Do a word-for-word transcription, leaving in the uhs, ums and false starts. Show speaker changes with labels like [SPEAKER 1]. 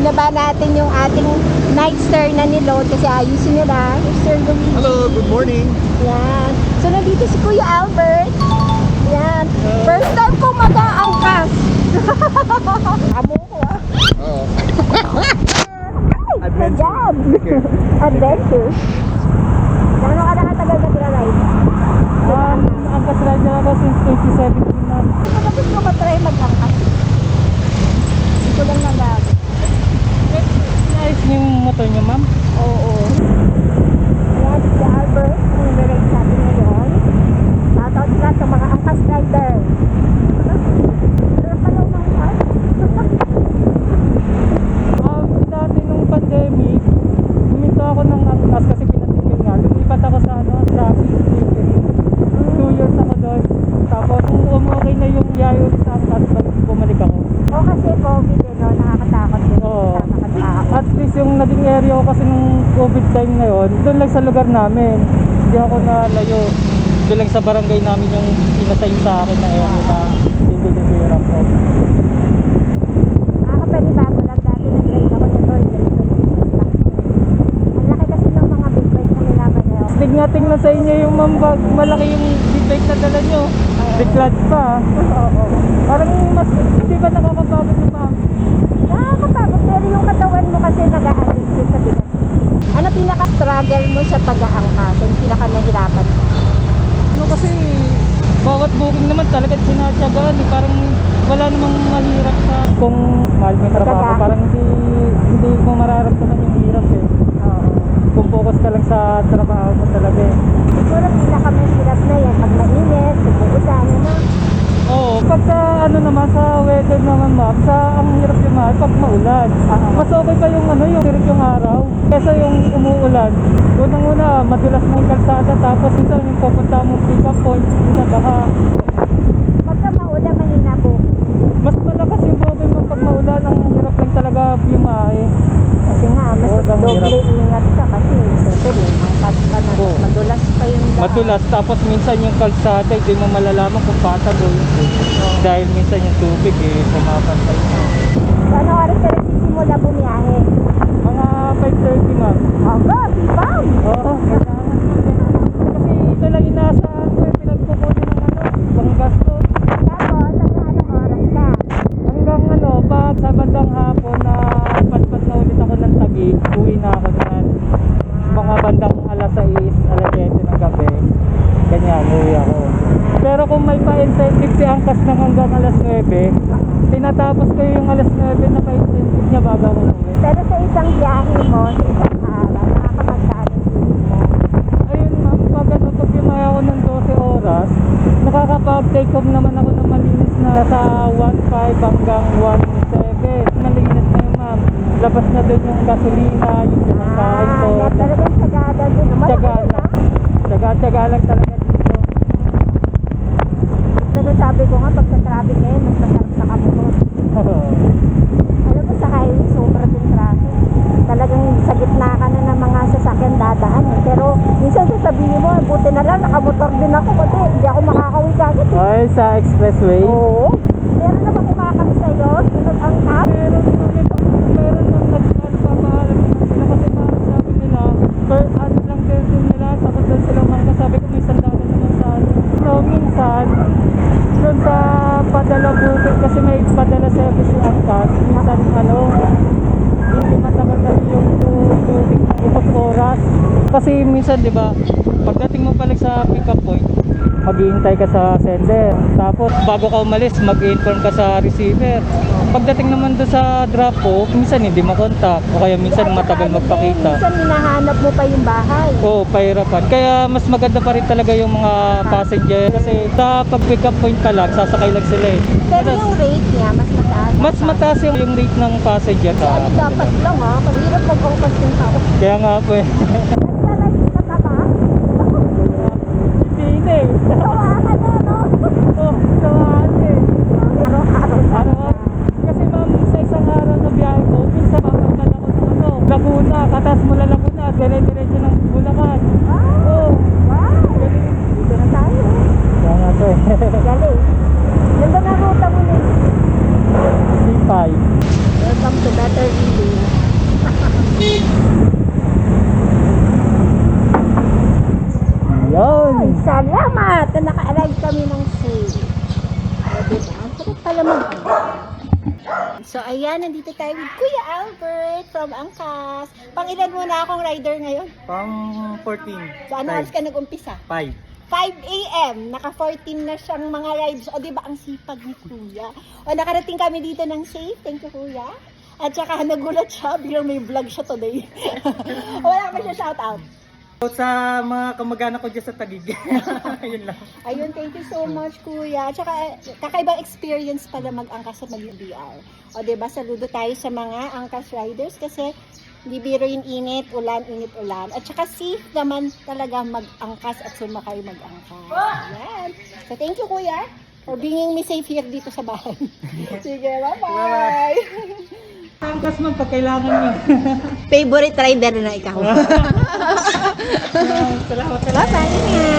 [SPEAKER 1] Binaba natin yung ating night star na niload kasi ayusin nila. Sir Luigi.
[SPEAKER 2] Hello, good morning.
[SPEAKER 1] Yan. So, nandito si Kuya Albert. Yan. First time ko mag-aangkas. Amo ko ah.
[SPEAKER 2] Oo.
[SPEAKER 1] Good job. Adventure. Gano'n ka nakatagal na tira-ride?
[SPEAKER 3] Um, angkas rider ako since twenty seventeen na.
[SPEAKER 1] Kapag mo matry mag-angkas? Hindi ko lang nagag.
[SPEAKER 3] Nice yung motor niyo, ma'am.
[SPEAKER 1] Oo. Yan, si Albert. Ang nirate natin ngayon. Shoutout sila sa mga angkas rider. Pero pala umangkas.
[SPEAKER 3] Um, dati nung pandemic, huminto ako ng angkas kasi pinatigil nga. Lumipat ako sa ano, sa Philippines. Two years ako doon. Tapos kung umukay na yung yayo sa angkas, balik bumalik ako.
[SPEAKER 1] O kasi COVID eh, no? Nakakatakot din.
[SPEAKER 3] Oo.
[SPEAKER 1] Nakakatakot.
[SPEAKER 3] At least yung naging area ko kasi nung COVID time na yun, doon lang sa lugar namin. Hindi ako nalayo. Doon lang sa barangay namin yung inasign sa akin na area na hindi nabihirap ko.
[SPEAKER 1] Nakakapanibago lang dati nag-ride ako nito. Ang laki kasi ng mga big bike na minamaneo.
[SPEAKER 3] Tingnan-tingnan sa inyo yung mambag, malaki yung big na dala nyo. Biglat pa.
[SPEAKER 1] Oo.
[SPEAKER 3] Parang mas, hindi ba nakakapagod na ma'am?
[SPEAKER 1] Nakakapagod. Pero yung katawan mo kasi nag-a-addict yun sa bigat. Ano pinaka-struggle mo sa pag-aangkas? Yung pinaka-nahirapan mo?
[SPEAKER 3] Ano kasi, bawat booking naman talaga sinatyagaan eh. Parang wala namang mahirap sa kung mahal mo yung trabaho.
[SPEAKER 1] Tsaga.
[SPEAKER 3] Parang hindi, hindi mo mararamdaman yung hirap eh.
[SPEAKER 1] Oo.
[SPEAKER 3] Kung focus ka lang sa trabaho mo talaga eh.
[SPEAKER 1] Siguro pinaka-mahirap na yan. Pag mainit, pag uusan, ano?
[SPEAKER 3] Oo, pagka ano naman sa weather naman ma'am, sa ang hirap yung mahal pag maulan. Mas okay pa yung ano, yung sirit yung araw kesa yung umuulan. Unang-una, madulas na yung kalsada tapos minsan yung pupunta mong pick up point, minsan baka
[SPEAKER 1] Pagka maulan, mahina po.
[SPEAKER 3] mas malakas yung problem mo pag maulan. Ang hirap lang talaga biyahe.
[SPEAKER 1] Kasi nga, mas
[SPEAKER 3] Oo, ang
[SPEAKER 1] doble
[SPEAKER 3] hirap.
[SPEAKER 1] ingat ka kasi siyempre, angkas ka na.
[SPEAKER 3] Oo.
[SPEAKER 1] Madulas pa yung daan.
[SPEAKER 3] Madulas tapos minsan yung kalsada hindi mo malalaman kung patag o hindi. Dahil minsan yung tubig eh, pumapantay.
[SPEAKER 1] So, ano oras ka nagsisimula bumiyahe?
[SPEAKER 3] Mga five thirty ma'am.
[SPEAKER 1] Aba, sipam!
[SPEAKER 3] Oo, kailangan mo din. Kasi ito lang inaasahan ko, eh, pinagkukunin ng ano, pang gasto.
[SPEAKER 1] Tapos, ano anong oras ka?
[SPEAKER 3] Hanggang ano, pag sa bandang hapon na patpat na ulit ako ng Taguig, uwi na ako niyan. Mga bandang alas sais, alas siyete ng gabi. Ganyan, uwi ako. Pero kung may pa-incentive si Angkas ng hanggang alas nuwebe, tinatapos ko yung alas nuwebe na pa-incentive niya bago ako uwi.
[SPEAKER 1] Pero sa isang biyahe mo, sa isang araw, nakakapagkaan ng bilis mo.
[SPEAKER 3] Ayun ma'am, pag ano, pag bimaya ako ng twelve oras, nakakapag-take home naman ako ng malinis na sa one five hanggang one seven. Malinis na yun ma'am. Labas na doon yung gasolina, yung pinakain ko.
[SPEAKER 1] Ah, talagang sagada din.
[SPEAKER 3] Tsaga lang. Tsaga-tsaga lang talaga dito.
[SPEAKER 1] Pero sabi ko nga, pag sa traffic ngayon, mas masarap sa kamutot. Alam mo, sa highway, sobra din traffic. Talagang sa gitna ka na ng mga sasakyan dadaan. Eh. Pero minsan sasabihin mo, buti na lang, nakamotor din ako kasi hindi ako makakawin kagad. Eh.
[SPEAKER 3] Ay, sa expressway?
[SPEAKER 1] Oo. Meron naman kumakami sa'yo, sunod ang tap.
[SPEAKER 3] Meron meron nung nagpapaalam sila kasi parang sabi nila, per ano lang din nila, takot doon silang mga sabi ko may sandala naman sa ano. So, minsan, doon sa padala bukit kasi may padala service si Angkas, minsan ano, hindi matagal kasi yung tubig ng upos oras. Kasi minsan, di ba, pagdating mo pala sa pick up point, maghihintay ka sa sender. Tapos bago ka umalis, mag-inform ka sa receiver. Pagdating naman doon sa drop off, minsan hindi makontak o kaya minsan matagal magpakita.
[SPEAKER 1] Minsan hinahanap mo pa yung bahay.
[SPEAKER 3] Oo, pahirapan. Kaya mas maganda pa rin talaga yung mga passenger kasi sa pag-pick up point pa lang, sasakay lang sila eh.
[SPEAKER 1] Pero yung rate niya, mas mataas.
[SPEAKER 3] Mas mataas yung, yung rate ng passenger.
[SPEAKER 1] Ano dapat lang ha? Pag-hirap mag-angkas yung tao.
[SPEAKER 3] Kaya nga po eh.
[SPEAKER 1] Nagsalag ka ka ba?
[SPEAKER 3] Hindi eh.
[SPEAKER 1] Tawa ka na, no?
[SPEAKER 3] Oh, sawaan eh.
[SPEAKER 1] Araw-araw sa
[SPEAKER 3] Araw, kasi ma'am, sa isang araw na biyahe ko, minsan papuntan ako ng ano, Laguna, katas mula Laguna, dire-diretso ng Bulacan.
[SPEAKER 1] Wow!
[SPEAKER 3] Oh,
[SPEAKER 1] Wow! Dito na tayo.
[SPEAKER 3] kaya nga to eh.
[SPEAKER 1] Galing. Ganda na ruta mo nito.
[SPEAKER 3] C five.
[SPEAKER 1] Welcome to Better Living. So, ayan, nandito tayo with Kuya Albert from Angkas. Pang-ilan mo na akong rider ngayon?
[SPEAKER 3] Pang fourteen.
[SPEAKER 1] So, ano oras ka nag-umpisa?
[SPEAKER 3] five.
[SPEAKER 1] five a m Naka fourteen na siyang mga rides. O, di ba ang sipag ni Kuya? O, nakarating kami dito ng safe. Thank you, Kuya. At saka nagulat siya, biglang may vlog siya today. Wala pa siya shout out.
[SPEAKER 3] Sa mga kamag-anak ko dyan sa Taguig. Yun lang.
[SPEAKER 1] Ayun, thank you so much, Kuya. Tsaka, kakaibang experience pala mag-angkas sa mag-B R. O, diba, saludo tayo sa mga angkas riders kasi hindi biro yung init, ulan, init, ulan. At saka safe naman talaga mag-angkas at sumakay mag-angkas. Ayan. So, thank you, Kuya, for bringing me safe here dito sa bahay. Sige, bye-bye.
[SPEAKER 3] Angkas man pag kailangan nyo.
[SPEAKER 1] Favorite rider na ikaw.
[SPEAKER 3] Salamat.
[SPEAKER 1] Bye-bye.